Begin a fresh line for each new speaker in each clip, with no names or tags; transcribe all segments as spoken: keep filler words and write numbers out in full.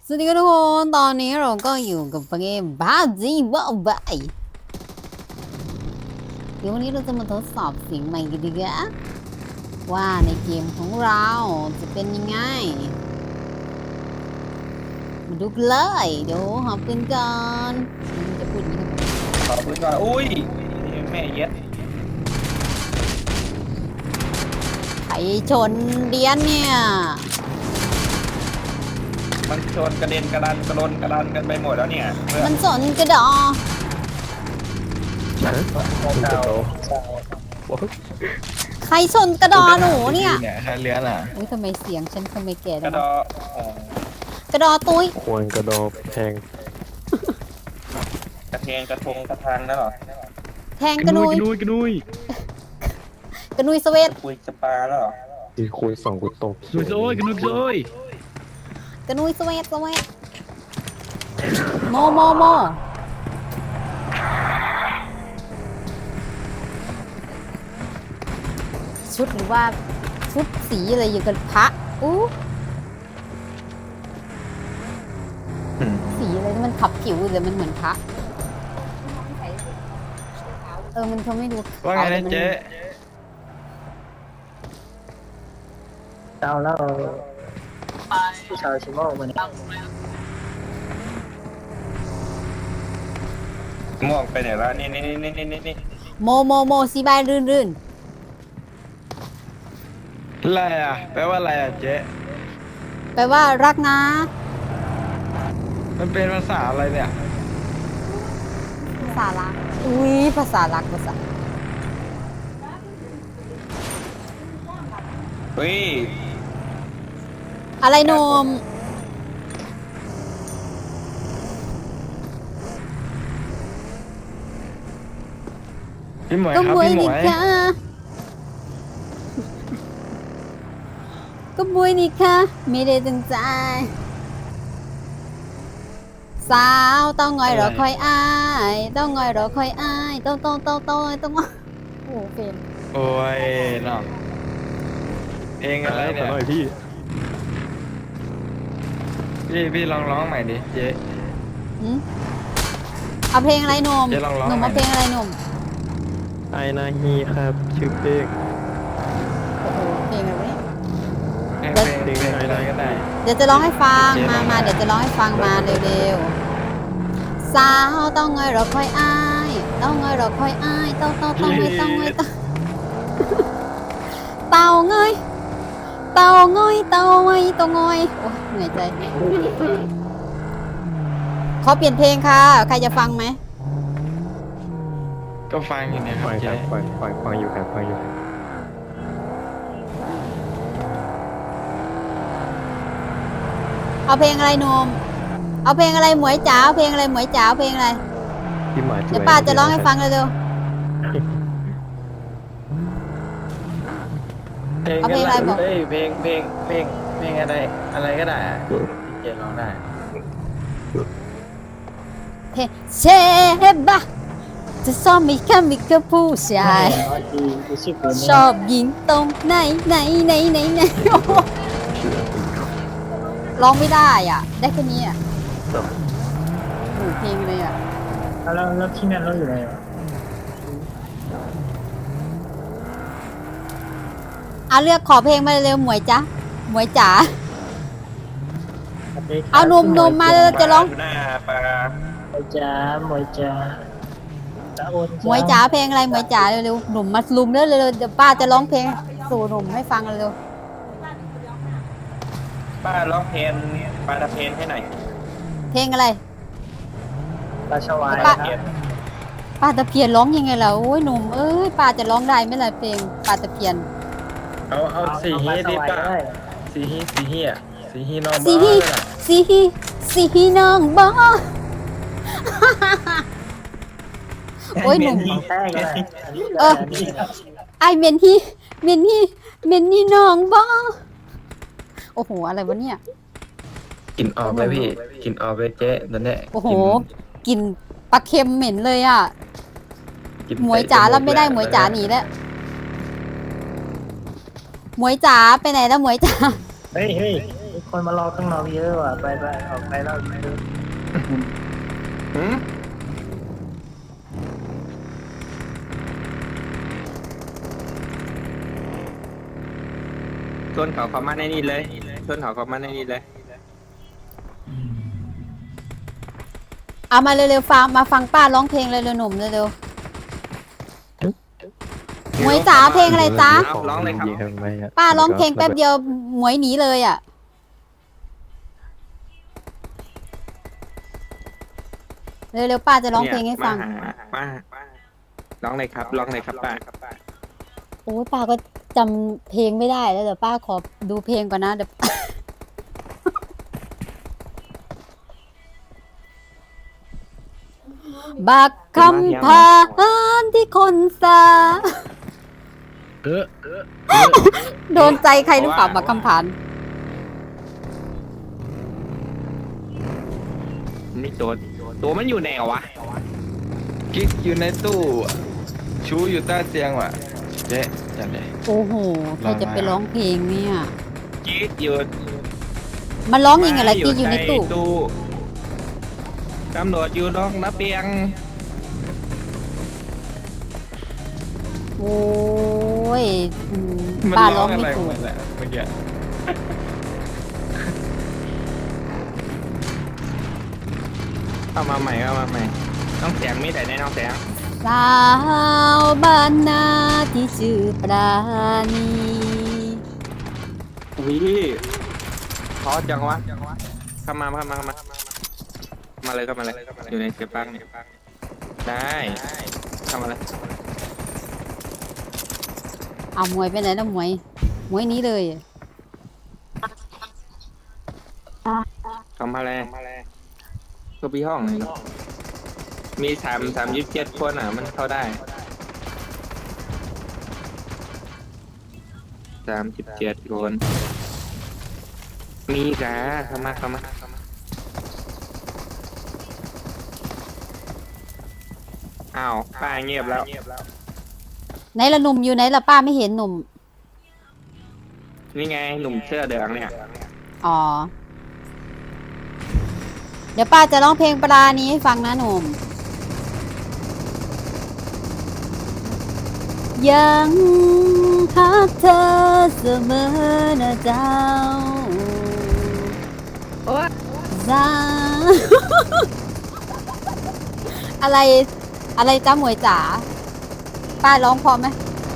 สวัสดีครับทุกคนตอนนี้เราก็อยู่กับเกมบาจีบ้าบายเดี๋ยววันนี้เราจะมาทดสอบเสียงใหม่กันดีกว่าว่าในเกมของเราจะเป็นยังไงมาดูกันเลยเดี๋ยวหอบปืนก่อนจะพูดอย่างนี้ทำไม
ขอปืนก่อนอุ้ยแม่เย็ด
ไข่ชนเดียนเนี่ย
มันชนกระเด็นกระดานกระโดนกระดานกันไปหมดแล้วเนี่ยเพื่อ
มันสนกระดอ
เก่า
ใครชนกระดอหนูเนี่ย
เนี่ยใครเลี้ยนอ่ะ
อุ้ยทำไมเสียงฉันทำไมแก่
ก
จั
ระ
ง
ด
วะ
อเอ่อก
ระดอตุ้ย
ควรกระดอกแทง
กระเทงกระทงกระทังนั่นหรอ
แทงกระนุย
กระนุยกระนุย
กระนุยสเวต
คุยสปาแล้วหรอ
อีคูณสองกูตก
กระนุยโอ้ยกระนุยโอ้ย
กระนุยสเวตสเวตโมโมโมชุดหรือว่าชุดสีอะไรอยู่กันพระอู้สีอะไรที่มันขับผิวเลยมันเหมือนพระเออมันทำให้ดู
ว่าไงนะเจ๊
เอาแล้วผู้ชายชิโม่มัน
ม่วงไปไหนละนี่นี่นี่นี่นี่นี่
โมโมโมสีบายรื่นรื่น
อะไรอ่ะแปลว่าอะไรอ่ะเจ๊
แปลว่ารักนะ
มันเป็นภาษาอะไรเนี่ย
ภาษารักอุ้ยภาษารักภาษา
เฮ้ย
อะไรนม
พี่หมวย
ก็
ครับ
บวย
พี่หม
ดิ
วย
ค่ะก็บวยดิค่ะไม่ได้ตั้งใจสาวต้องงอยรอคอยอายต้องงอยรอคอยอายต้องต้องต้องต้องต้องโอ้โหเพลง
โอ้ยเนาะเพลงอะไร
ข
เนี่
อย หน่อยพี่
พี่พี่ลองร้องใหม่ดิเจ๊
หืมเอาเพลงอะไรหนม
เจ๊ลองร้อง
หนุ่ม
หน่
เอา
อย
เพลงอะไรหนุ่ม
ไอนาฮีครับ ชื่อเพลง
โอ้โหเพลงอะไรวะเนี่ย
เพลงเพลงเพลงอะไรก็ได้
เดี๋ยวจะร้องให้ฟัง
เจ๊ร้
มา
อง
มา
หน่อย
เดี๋ยวจะร้องให้ฟังมาเร็วๆสาวต้องงอยรอคอยอายต้องงอยรอคอยอายต้องต้องต้องงอยต้องงอยต้องเต่าเงยเต่าเงยเต่าเงยเต่าเงยโอ้ยเหนื่อยใจขอเปลี่ยนเพลงค่ะใครจะฟังไหม
ก็ฟังอยู่เนี่ยครั
ฟั
บ
งค
เจ๊
รับฟังฟังฟังอยู่ครับฟังอยู่ครับ
เอาเพลงอะไรหนมเอาเพลงอะไรหมวยจ๋าเอาเพลงอะไรหมวยจ๋าเอาเพลงอะไร
พี่หมาช่วย
เดี๋ยวป้าจะร้องให้ฟังเร็ว
เพลง
เอาเพลงอะไรบอก
เฮ้ยเพลงเพลงเพลงเพลงอะไรอะไรก็ได้อะเจ๊ร้องได้
ๆเพลงเชบะจะซ้อมมีแค่มีแค่ผู้ชาย
ดีดีชื่อเพลง
ชอบยิงตรงไหนไหนไหนไหนไหนโอ้โหร้องไม่ได้อ่ะ ได้แค่นี้อ่ะหนูเพลงเลยอ่ะ
แล้วแล้วที่นั่นเราอยู่ไหนวะ
เอาเลือกขอเพลงมาเร็วๆหมวยจ๊ะหมวยจ๋า
สวัสดีครับ
เอานมนมมาเลย จะร้อง
หน้าปลา
หมวยจ๋าหมวยจ๋าตะโอน
หมวยจ๋าเพลงอะไรหมวยจ๋าเร็วๆหนุ่มมาลุมเร็วๆเดี๋ยวป้าจะร้องเพลงสู่หนุ่มให้ฟังเร็ว
ป้าร้องเพลงปลาตะเพนให้หน่อย
ๆเพลงอะไร
ปลาชวาย
ปลา
ครับ
ป้าตะเพียนร้องยังไงล่ะโอ้ยหนุ่มเอ้ยป้าจะร้องได้ไหมล่ะเพลงป้าตะเพียน
เอาเอาสีฮีดิป่ะสีฮีสีฮีอ่ะสีฮีน้อง
สี
บ้า
ฮี
เลยอะ
สีฮีสีฮีน้องบอโอ้ยหนุ่ม
ของแท้ก็ได้
เออ ไอเมนฮีเมนฮีเมนฮีน้องบอโอ้โหอะไรวะเนี่ย
กลินออกเลยพี่กลินออกเลยเจ๊นั่นแหละ
โอ้โหกลิ่นปลาเค็มเหม็นเลยอ่ะ
กลิ่น
หมวยจ๋ารับไม่ได้หมวยจ๋าหนีแล้วหมวยจ๋าไปไหนแล้วหมวยจ๋า
เฮ้ยเฮ้ยคนมารอข้างนอกเยอะว่ะไปไปออกไปแล้วไปดู
หืมชวนเขาเข้ามาในนี่เลยชวนเขาเข้ามาในนี่เลย
เอามาเร็วๆฟังมาฟังป้าร้องเพลงเลยเร็วๆหนุ่มเร็วๆหมวยจ๋าเพลงอะไรจ๊ะ
เอาร้องเลยครับ
ยิงทำไมอะ
ป้าร้องเพลงแป๊บเดียวหมวยหนีเลยอ่ะเร็วๆป้าจะร้องเพลงให้ฟัง
เนี่ยมาหามามาร้องเลยครับร้องเลยครับป้า
โอ้ยป้าก็จำเพลงไม่ได้แล้วเดี๋ยวป้าขอดูเพลงก่อนนะเดี๋ยว บักคำพานที่คนสา
เออเออ
โดนใจใครหรือเปล่าบักคำพาน
นี่ตัวตัวมันอยู่ไหนวะกิ๊กอยู่ในตู้ชูอยู่ใต้เตียงว่ะเจ๊จัดเลย
โอ้โหใครจะไปร้องเพลงเนี่ย
กิ๊กอยู่
มันร้องยังไงล่ะที่อยู่ในตู้
ตำรวจอยู่นอกระเบียง
โอ้ยอืมป้าร้องไม่ถูก
เมื่อกี้เข้ามาใหม่เข้ามาใหม่น้องแสงมีแต่ในน้องแสง
สาวบ้านนาที่ชื่อปราณี
วิพอจังวะเข้ามาเข้ามาเข้ามามาเลยเข้ามาเลยอยู่ในเก็บปังนี่ได้เข้ามาเลย
เอาหมวยไปไหนแล้วหมวยหมวยหนี้เลย
เข้ามาเลยก็พี่ห้องเลยเนาะมีสามสามยี่สิบเจ็ดคนอ่ะมันเข้าได้สามสิบเจ็ดคนมีกะเข้ามาเข้ามาอ้าวป้าเงียบแล้ว
ไหนละหนุ่มอยู่ไหนละป้าไม่เห็นหนุ่ม
นี่ไงหนุ่มเสื้อเหลืองเนี่ย
อ๋อ เดี๋ยวป้าจะร้องเพลงปราณีให้ฟังนะหนุ่ม ยังฮักเธอเสมอนะเจ้าจ้า อะไรอะไรจ้าหมวยจ๋าป้าร้องพอไหม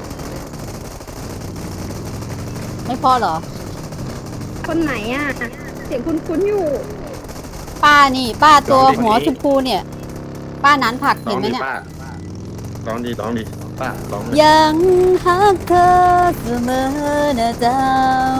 ไม่พอเหรอ
คนไหนอ่ะ เสียงคุ้นๆอยู่
ป้านี่ ป้าตัวหัวชมพูเนี่ย ป้านั้นผักเห็นไหมเนี่ย
ร้องดีร้องดีป้าร้องเลย
ยังฮักเธอเสมอนะเจ้า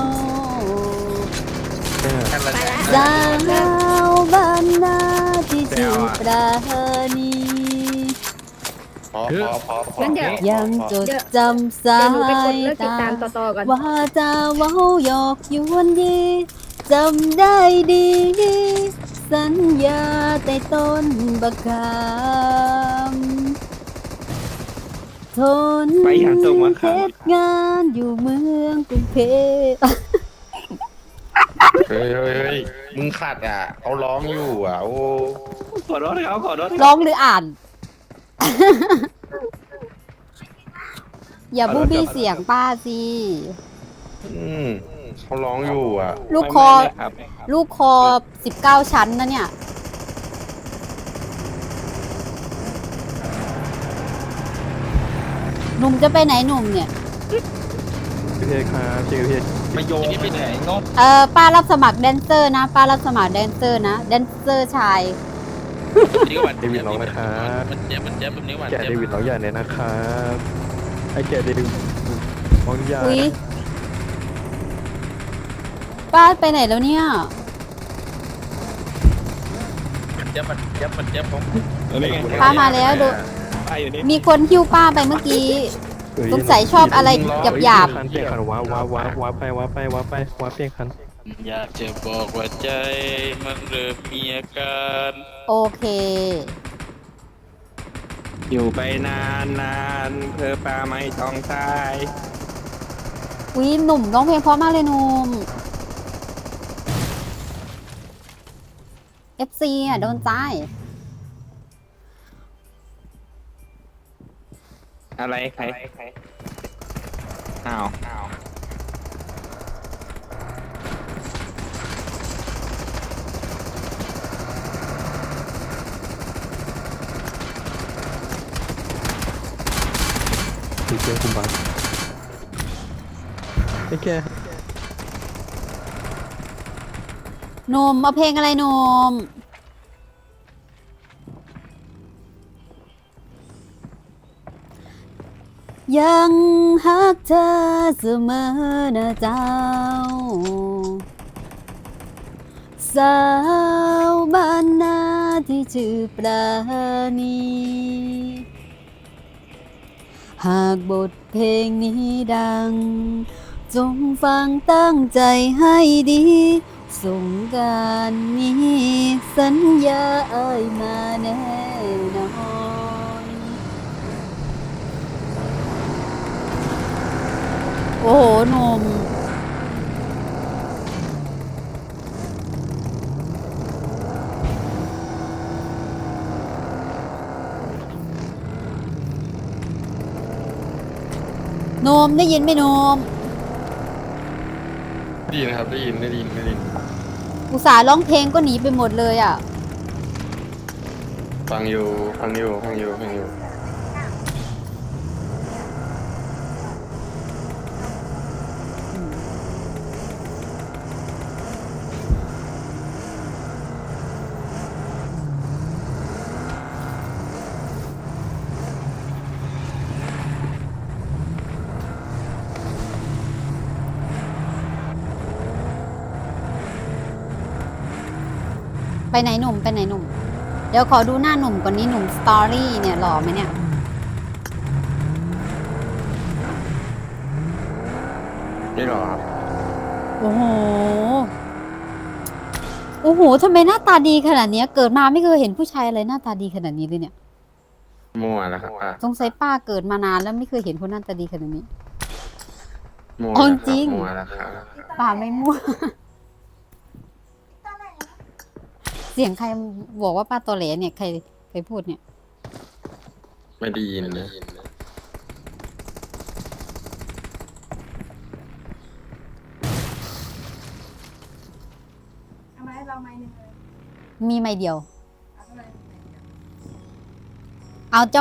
สาวบ้านนาที่ชื่อปราณี
พอพอพอพอ
งั้นเดี๋ยว
ยังจดจำสา
เดี๋ยวหนูไปกด
ย
เลิกติด
ตา
ตามต่อๆก่อน
ว่าจะเว้าหยอกยวนยีจำได้ดี สัญญาแต่ต้นบักคำทน
ไปอย่างตรงมา
เท
ครับ
ศงานอยู่เมืองกรุงเทพ
เฮ้ยเฮ้ยเฮ้ยมึงขัดอ่ะเขาร้องอยู่อ่ะ โอ้
ขอโทษเขาขอโทษ
ร้องหรืออ่าน อย่าบูบี้เสียงป้าสิ
อืมเขาร้องอยู่อ่ะ
ลูกคอ
ไม่ไม่ครับ
ลูกคอสิบเก้าชั้นนะเนี่ย หนุ่มจะไปไหนหนุ่มเนี่ย
ชื่อเพชรครับชื่อเพชร
มาโยงไปไหนโน้ต
เออป้ารับสมัครแดนเซอร์นะ ป้ารับสมัครแดนเซอร์นะ แดนเซอร์ชาย
นี่ก็วัน
เดวิดร้องนะครับ
มันเจ็บมันเจ็บแบบนี้วัน
แกะ
เจ็บ
เดวิดร้องใหญ่เลยนะครับไอ้แกะเดวิดร้องใหญ่
อุ๊ย ป้าไปไหนแล้วเนี่ย
มันเจ็บมันเจ็บมันเจ็บผม
ป้ามาแล้วดู
ป้าอยู่นี่
มีคนหิ้วป้าไปเมื่อกี้
เอ้ย
สงสัยชอบอะไรหยาบ
คันเปลี่ยนคันว้าว้าว้าว้าไปว้าไปว้าไปว้าเปลี่ยนคัน
อยากจะบอกว่าใจมันเริ่มมีอาการ
ๆโอเค
อยู่ไปนานนานเธอป้าไม่ต้องตาย
อุ๊ยหนุ่มร้องเพลงเพราะมากเลยหนุ่มเอฟซีอ่ะโดนใจ
อะไรใครอ้าวอ้าว
ดีเจคุณบังไอ้แก
หนุ่มเอาเพลงอะไรหนุ่มยังฮักเธอเสมอนะเจ้า สาวบ้านนาที่ชื่อปราณี หากบทเพลงนี้ดัง จงฟังตั้งใจให้ดี สงกรานต์นี้สัญญาเอ้ยมาแน่นอน โอ้โหหนุ่มโนมได้ยินไหมโนม
ได้ยินครับได้ยินได้ยินได้ยิน
อุตส่าห์ร้องเพลงก็หนีไปหมดเลยอ่ะ
ฟังอยู่ฟังอยู่ฟังอยู่ฟังอยู่
ไปไหนหนุ่มไปไหนหนุ่ม เดี๋ยวขอดูหน้าหนุ่มก่อนนี้หนุ่มสตอรี่เนี่ยหล่อไหมเนี่ย
นี่หรอครับ
โอ้โห โอ้โหทำไมหน้าตาดีขนาดเนี้ย เกิดมาไม่เคยเห็นผู้ชายอะไรหน้าตาดีขนาดนี้เลยเนี่ย
มั่วแล้วครับป้า
สงสัยป้าเกิดมานานแล้วไม่เคยเห็นคนหน้าตาดีขนาดนี้
มั่ว
เอา
แล้วค
จริ
รับ
ง
มั่วแล้วครับ
ป้าไม่มั่ว เสียงใครบอกว่าป้าตอแหลเนี่ยใครใครพูดเนี่ย
ไม่ได้ยินนะ
มีไม่เดียว เอาเจ้า